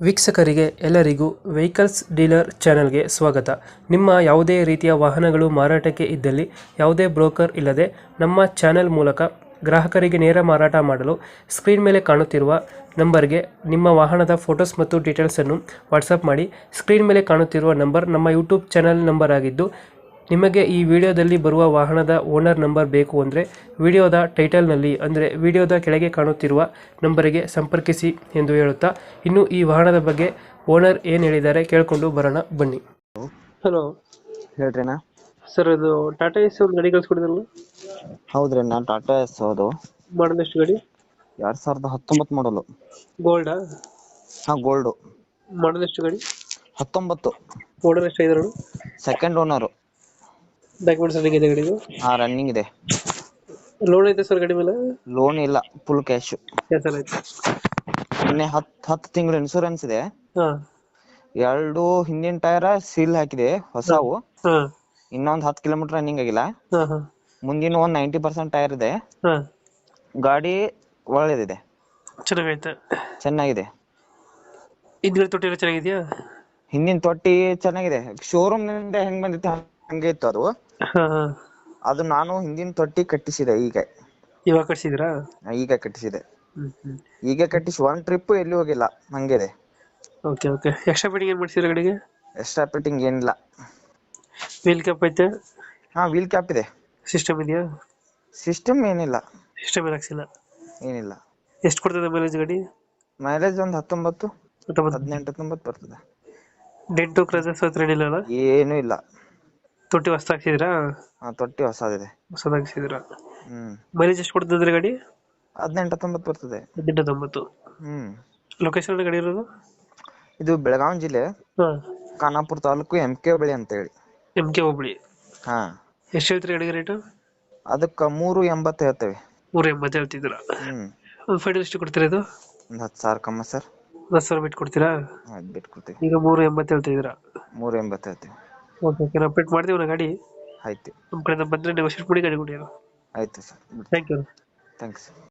ವೀಕ್ಷಕರಿಗೆ ಎಲ್ಲರಿಗೂ vehicles dealer ಚಾನೆಲ್ಗೆ ಸ್ವಾಗತ. ನಿಮ್ಮ ಯಾವುದೇ ರೀತಿಯ ವಾಹನಗಳು ಮಾರಾಟಕ್ಕೆ ಇದ್ದಲ್ಲಿ ಯಾವುದೇ ಬ್ರೋಕರ್ ಇಲ್ಲದೆ ನಮ್ಮ ಚಾನೆಲ್ ಮೂಲಕ ಗ್ರಾಹಕರಿಗೆ ನೇರ ಮಾರಾಟ ಮಾಡಲು ಸ್ಕ್ರೀನ್ ಮೇಲೆ ಕಾಣುತ್ತಿರುವ ನಂಬರ್ಗೆ ನಿಮ್ಮ ವಾಹನದ ಫೋಟೋಸ್ ಮತ್ತು ಡೀಟೇಲ್ಸನ್ನು ವಾಟ್ಸಪ್ ಮಾಡಿ. ಸ್ಕ್ರೀನ್ ಮೇಲೆ ಕಾಣುತ್ತಿರುವ ನಂಬರ್ ನಮ್ಮ ಯೂಟ್ಯೂಬ್ ಚಾನೆಲ್ ನಂಬರ್ ಆಗಿದ್ದು, ನಿಮಗೆ ಈ ವಿಡಿಯೋದಲ್ಲಿ ಬರುವ ವಾಹನದ ಓನರ್ ನಂಬರ್ ಬೇಕು ಅಂದರೆ ವಿಡಿಯೋದ ಟೈಟಲ್ನಲ್ಲಿ ಅಂದರೆ ವಿಡಿಯೋದ ಕೆಳಗೆ ಕಾಣುತ್ತಿರುವ ನಂಬರಿಗೆ ಸಂಪರ್ಕಿಸಿ ಎಂದು ಹೇಳುತ್ತಾ, ಇನ್ನು ಈ ವಾಹನದ ಬಗ್ಗೆ ಓನರ್ ಏನು ಹೇಳಿದ್ದಾರೆ ಕೇಳಿಕೊಂಡು ಬರೋಣ ಬನ್ನಿ. ಹಲೋ ಹೇಳ್ರಿನಾ. ಸರ್, ಇದು ಟಾಟಾ ಎಸ್ ಒಂದು ಗಾಡಿ ಕಳಿಸ್ಕೊಡಿದ್ರಲ್ಲ, ಹೌದ್ರಿ, ನಾ ಟಾಟಾ ಎಸ್ ಹೌದು. ಮಾಡಲ್ ಎಷ್ಟು ಗಾಡಿ? 2019 ಮಾಡಲು. ಗೋಲ್ಡಾ? ಹಾ, ಗೋಲ್ಡು. ಮಾಡಲ್ ಎಷ್ಟು ಗಾಡಿ? 19. ಓನರ್ ಎಷ್ಟು ಆಗಿದ್ರು? Second owner. ಡಾಕ್ಯುಮೆಂಟ್ಸ್ ರನ್ನಿಂಗ್ ಇದೆ ಗಾಡಿದು? ಹಾ, ರನ್ನಿಂಗ್ ಇದೆ. ಲೋನ್ ಐತೆ ಸರ್ ಗಾಡಿ ಮೇಲೆ? ಲೋನ್ ಇಲ್ಲ, ಫುಲ್ ಕ್ಯಾಶ್. ಕ್ಯಾನ್ಸಲ್ ಆಯ್ತು? ಇನ್ನೇ 10 ತಿಂಗಳು ಇನ್ಶೂರೆನ್ಸ್ ಇದೆ. ಹಾಂ 2 ಹಿಂದಿನ ಟೈರ್ ಸೀಲ್ ಹಾಕಿದೆ ಹೊಸವು. ಹಾಂ ಇನ್ನೊಂದು 10 ಕಿಲೋಮೀಟರ್ ರನ್ನಿಂಗ್ ಆಗಿಲ್ಲ. ಹಾಂ ಹಾಂ ಮುಂದಿನ ಒಂದು 90% ಟೈರ್ ಇದೆ. ಹಾಂ ಗಾಡಿ ಒಳ್ಳೆದಿದೆ, ಚೆನ್ನಾಗೈತೆ. ಚೆನ್ನಾಗಿದೆ. ಹಿಂದ್ಗಡೆ ತೊಟ್ಟಿ ಎಲ್ಲ ಚೆನ್ನಾಗಿದೆಯಾ? ಹಿಂದಿನ ತೊಟ್ಟಿ ಚೆನ್ನಾಗಿದೆ. ಶೋರೂಮ್ ನಿಂದ ಹೆಂಗ್ ಬಂದಿತ್ತು ಹಂಗೆ ಇತ್ತು ಅದು. ಹಾಂ ಹಾಂ ಅದು ನಾನು ಹಿಂದಿನ ತೊಟ್ಟಿ ಕಟ್ಟಿಸಿದೆ. ಇವಾಗ ಕಟ್ಸಿದ್ರಾ? ಈಗ ಕಟ್ಟಿಸಿದೆ. ಹ್ಞೂ ಈಗ ಕಟ್ಟಿಸಿ ಒಂದ್ ಟ್ರಿಪ್ ಎಲ್ಲಿ ಹೋಗಿಲ್ಲ, ಹಂಗಿದೆ. Okay okay. ಎಕ್ಸ್ಟ್ರಾ ಫಿಟ್ಟಿಂಗ್ ಏನು ಮಾಡಿಸಿದ್ರೆ ಗಾಡಿಗೆ? ಎಕ್ಸ್ಟ್ರಾ ಫಿಟ್ಟಿಂಗ್ ಏನಿಲ್ಲ. ವೀಲ್ ಕ್ಯಾಪ್ ಐತೆ? ಹಾ, ವೀಲ್ ಕ್ಯಾಪ್ ಇದೆ. ಸಿಸ್ಟಮ್ ಇದೆಯಾ? ಸಿಸ್ಟಮ್ ಏನಿಲ್ಲ, ಸಿಸ್ಟಮ್ ಏನು ಹಾಕ್ಸಿಲ್ಲ? ಏನಿಲ್ಲ. ಎಷ್ಟು ಕೊಡ್ತದೆ ಮೈಲೇಜ್ ಗಾಡಿ? ಮೈಲೇಜ್ ಒಂದು 19, 19? 18, 19 ಬರ್ತದೆ. ಡೆಂಟು ಕ್ರಜಸ್ ಹತ್ರ ಏನಿಲ್ಲ ಅಲ್ಲ? ಏನು ಇಲ್ಲ. ತೊಟ್ಟಿ ಹೊಸ ಹಾಕ್ಸಿದ್ರಾ? ಹಾ, ತೊಟ್ಟಿ ಹೊಸದಿದೆ. ಹೊಸದು ಹಾಕ್ಸಿದ್ರಾ? ಹ್ಮ್. ಮೈಲೇಜ್ ಎಷ್ಟು ಕೊಡ್ತದೆ ಗಾಡಿ? 18, 19 ಬರ್ತದೆ. 18, 19. ಹ್ಮ್. ಲೊಕೇಶನ್ ಗಾಡಿ ಇರೋದು? ಇದು ಬೆಳಗಾವಿ ಜಿಲ್ಲೆ, ಹಾಂ. ಖಾನಾಪುರ ತಾಲೂಕು, MK ಬಳಿ ಅಂತ ಹೇಳಿ. MK ಹೋಬಳಿ. ಹಾ. ಎಷ್ಟು ಹೇಳ್ತೀರಿ ಗಾಡಿಗೆ ರೇಟು? ಅದಕ್ಕೆ 380 ಹೇಳ್ತೇವೆ. 380 ಹೇಳ್ತಿದ್ದೀರಾ? ಹ್ಮ್. ಒಂದು ಫೈನಲ್ ಎಷ್ಟು ಕೊಡ್ತೀರಾ ಇದು? ಒಂದು 10,000 ಕಮ್ಮ ಸರ್. 10,000 ಬಿಟ್ಟು ಕೊಡ್ತೀರಾ? ಆಯ್ತು, ಬಿಟ್ಟು ಕೊಡ್ತೀವಿ. ಈಗ 380 ಹೇಳ್ತಿದ್ದೀರಾ? 380 ಹೇಳ್ತೀವಿ. ಓಕೆ ಓಕೆ, ನಾವು ಅಪ್ಡೇಟ್ ಮಾಡ್ತೀವಿ ನಾ ಗಾಡಿ. ಆಯ್ತು. ನಮ್ಮ ಕಡೆಯಿಂದ ಬಂದರೆ ನೆಗೋಷಿಯೇಟ್ ಮಾಡಿ ಗಾಡಿ ಕೊಡಿ. ಆಯ್ತು ಸರ್. Thank you. ಥ್ಯಾಂಕ್ಸ್.